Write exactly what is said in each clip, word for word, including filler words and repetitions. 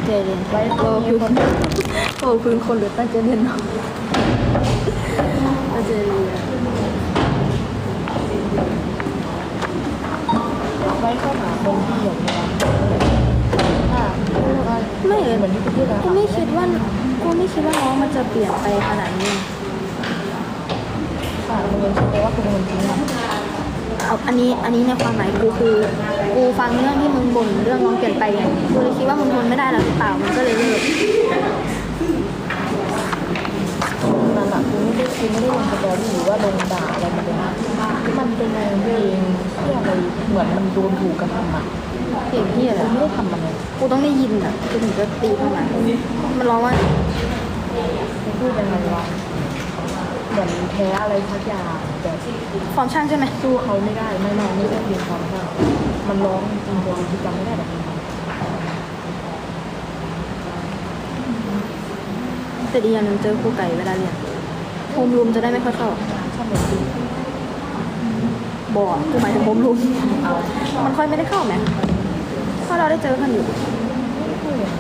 ใจเรียนโอ้พื้นโอ้พื้นคนหรือตั้งใจเรียนเนาะตั้งใจเรียนไว้เข้าหาคนที่อย่างนี้ค่ะไม่เลยเหมือนที่พูดนะกูไม่คิดว่ากูไม่คิดว่าน้องมันจะเปลี่ยนไปขนาดนี้ค่ะโรงเรียนคิดว่าคุณเป็นคนทิ้งมันเอาอันนี้อันนี้ในความหมายกูคือกูฟังเรื่องที่มึงบ่นเรื่องน้องเปลี่ยนไปไงกูเลยคิดว่ามึงทนไม่ได้แล้วหรือเปล่ามันก็เลยเลิกนั่นแหละคือไม่ได้คือไม่ได้ลงสตอรี่หรือว่าลงด่าอะไรมันเป็นมันเป็นไงเองที่อะไรเหมือนมันโดนถูกกระทำอ่ะเพลงที่อะไรไม่ได้ทำมันเลยกูต้องได้ยินอ่ะกูถึงจะตีขนาดนั้นมันร้องว่าไม่พูดยังไงวะเหมือนแพ้อะไรสักอย่างแต่ฟอร์มช่างใช่ไหมสู้เขาไม่ได้ไม่ไม่ไม่ได้เพียงความเท่ามันร้องจริงๆตัวที่จำไม่ได้แบบนี้แต่ดีอย่างหนึ่งเจอครูไก่เวลาเรียนโฮมรูมจะได้ไม่ค่อยเข้าชอบแบบนี้บอดกูหมายถึงโฮมรูมเอามันค่อยไม่ได้เข้าไหมเพราะเราได้เจอกันอยู่ไม่พูดเลย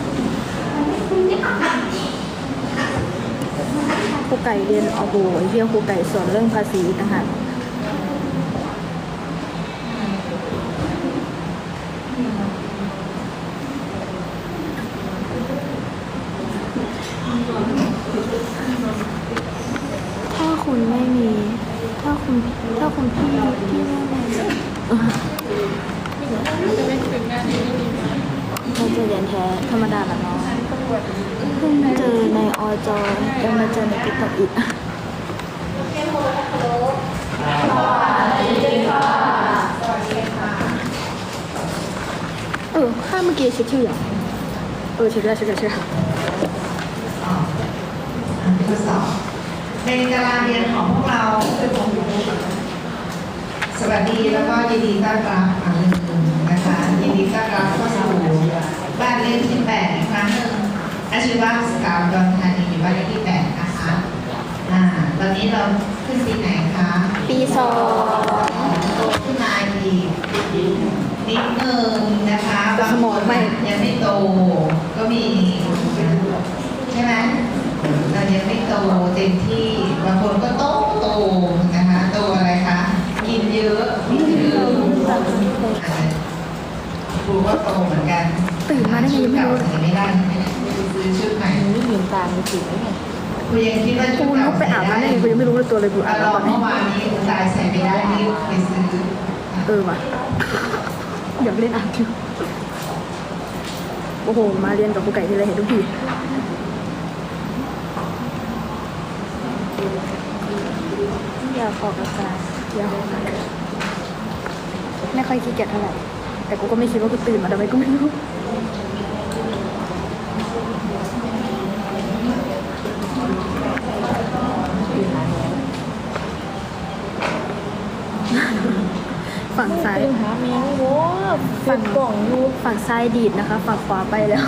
ครูไก่เรียนเอาโบไอ้เที่ยวครูไก่สอนเรื่องภาษีต่างหากถ้าคุณไม่มี ถ้าคุณถ้าคุณพี่ที่ไม่มีเราจะเรียนแท้ธรรมดาละเนาะเพิ่งเจอในอจยังมาเจอในติ๊กต็อกอีกเออข้าเมื่อกี้เช็คชื่ออย่างเออเช็คได้เช็คได้เช็คได้ทดสอบในตารางเรียนของพวกเราสวัสดีแล้วก็ยินดีต้อนรับครั้งหนึ่งนะคะยินดีต้อนรับเข้าสู่บ้านเลขที่แปดอีกครั้งหนึ่งอาชีวะสกาวดอนธานีอยู่บ้านเลขที่แปดนะคะอ่าตอนนี้เราขึ้นปีไหนคะปีสองโตขึ้นมาอีกนิดนึงนะคะบางคนยังไม่โตก็มีใช่ไหม เรายังไม่โตเต็มที่บางคนก็โตโตนะคะโตอะไรคะกินเยอะกินเยอะครูก็โตเหมือนกันตื่นมาได้ไงยังไม่รู้ใส่ไม่ได้ไม่ได้ซื้อชุดใหม่ไม่ลืมตาไม่ถึงได้ไงครูยังคิดว่าชุกูดเก่าลุกไปใส่อาบได้น้ำได้ไงกูยังไม่รู้เลยตัวเลยกูอาบเราน้ำตอนนี้เมื่อวานนี้ตายใส่ไม่ได้รีบไปซื้อเออว่ะอยากเล่นอาบอยู่โอ้โหมาเรียนกับครูไก่ที่ไรเห็นทุกทีอยากออกอากาศอยากออกอากาศไม่ค่อยขี้เกียจเท่าไหร่แต่กูก็ไม่คิดว่ากูตื่นมาทำไมกูไม่รู้ฝั่งซ้ายตื่นหาเมียโว้ฝั่งกล่องอยู่ฝั่งซ้ายดีดนะคะ ฝั่งขวาไปแล้ว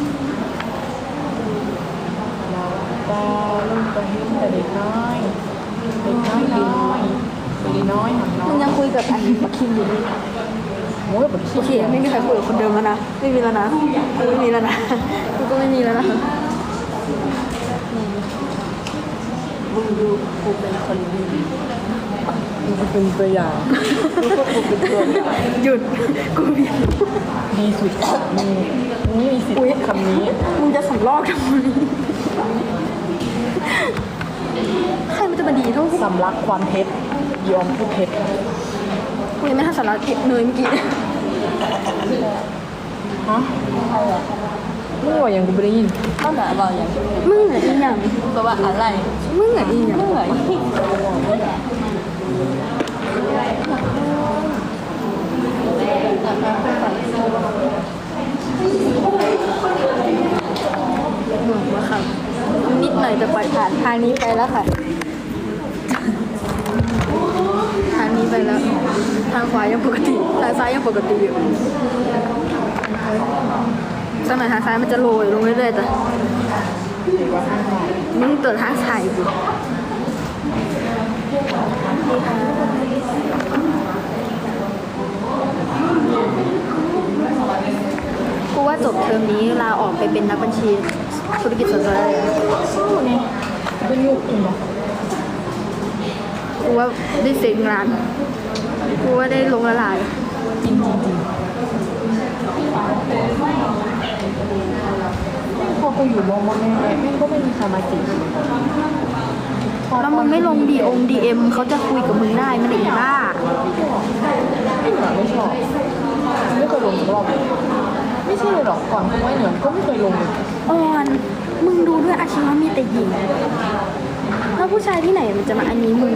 เราตาลงไปหิ้งแต่เด็กน้อยเด็กน้อยน้อยเด็กน้อยหันน้อมึงยยังคุยกับอันบักคิมอยู่เลยโอ้ยผมโอเคไม่มีใครคุยกับคนเดิมแล้วนะ ไม่มีแล้วนะกูไม่มีแล้วนะกูก็ไม่มีแล้วนะมึงดูกูเป็นคนดีมันเป็นตัวอย่างนี่ก็คือเป็นตัวอย่างหยุดกูเบียดดีสุดมีไม่มีสิทธิ์พูดคำนี้มึงจะสำลอกทำไมใครมันจะมาดีเท่ากูสำลักความเท็จยอมพูดเท็จกูยังไม่ทันสาระเก็บเนยเมื่อกี้ฮะมึงว่าอย่างกูไม่ได้ยินเขาด่าเราอย่างมึงอะอีหยังแปลว่าอะไรมึงอะอีหยังเมื่อยหนูว่าค่ะนิดหน่อยจะปล่อยผ่านทางนี้ไปแล้วค่ะ ทางนี้ไปแล้ว ทางขวายังปกติ ทางซ้ายยังปกติอยู่สมัยทางซ้ายมันจะโรยลงเรื่อยๆแต่มึงเติดทางซ้ายกูกูว่าจบเทอมนี้ลาออกไปเป็นนักบัญชีธุรกิจส่วนตัวได้เลยสู้เนี่ยเป็นยุคอีกเหรอกูว่าได้เซ็งงานกูว่าได้ลงละลายจริงจริงจริงพอกูอยู่มอมอแม่แม่งก็ไม่มีใครมาจีบแล้วมึงไม่ลงดีองดีเอ็มเขาจะคุยกับมึงได้มันอีบ้าไม่เหนือไม่ชอบไม่เคยลงสักรอบเลยไม่ใช่เลยหรอกก่อนกูไม่เหนือก็ไม่เคยลงเลยอ่อนมึงดูด้วยอาชีวะมีแต่หญิงแล้วผู้ชายที่ไหนมันจะมาอันนี้มึง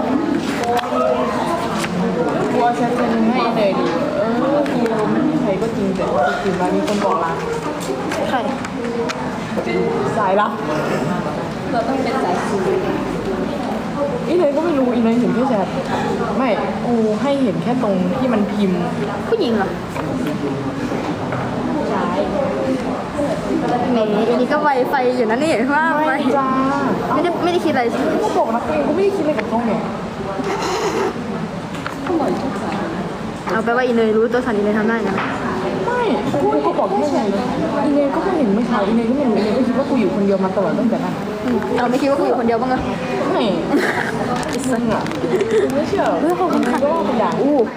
กูเอาแชทเซนให้เลยดิเออกูไม่มีใครก็จริงแต่จริงๆแล้วมีคนบอกรักใครสายลับเราต้องเป็นสายสืบอีเนยก็ไม่รู้อีเนยเห็นแค่แชทไม่กูให้เห็นแค่ตรงที่มันพิมพ์ผู้หญิงเหรอใช่แหมอันนี้ก็ไวไฟอยู่นะนี่ว่าไปไม่จ้าไม่ได้ไม่ได้คิดอะไรใช่ไหมก็บอกนะกูเองก็ไม่ได้คิดอะไรกับเขาไงเอาไปว่าอีเนยรู้ตัวสันอีเนยทำได้นะไม่กูก็บอกแค่ไงอีเนยก็ไม่เห็นไม่ข่าวอีเนยก็ไม่รู้อีเนยก็คิดว่ากูอยู่คนเดียวมาตลอดตั้งแต่นั้นอืมเราไม่คิดว่ากูอยู่คนเดียวบ้างเหรอไม่ซึ่งอ่ะกูไม่เชื่อเฮ้ยขอบคุณค่ะก็ว่าเป็นอย่างอู้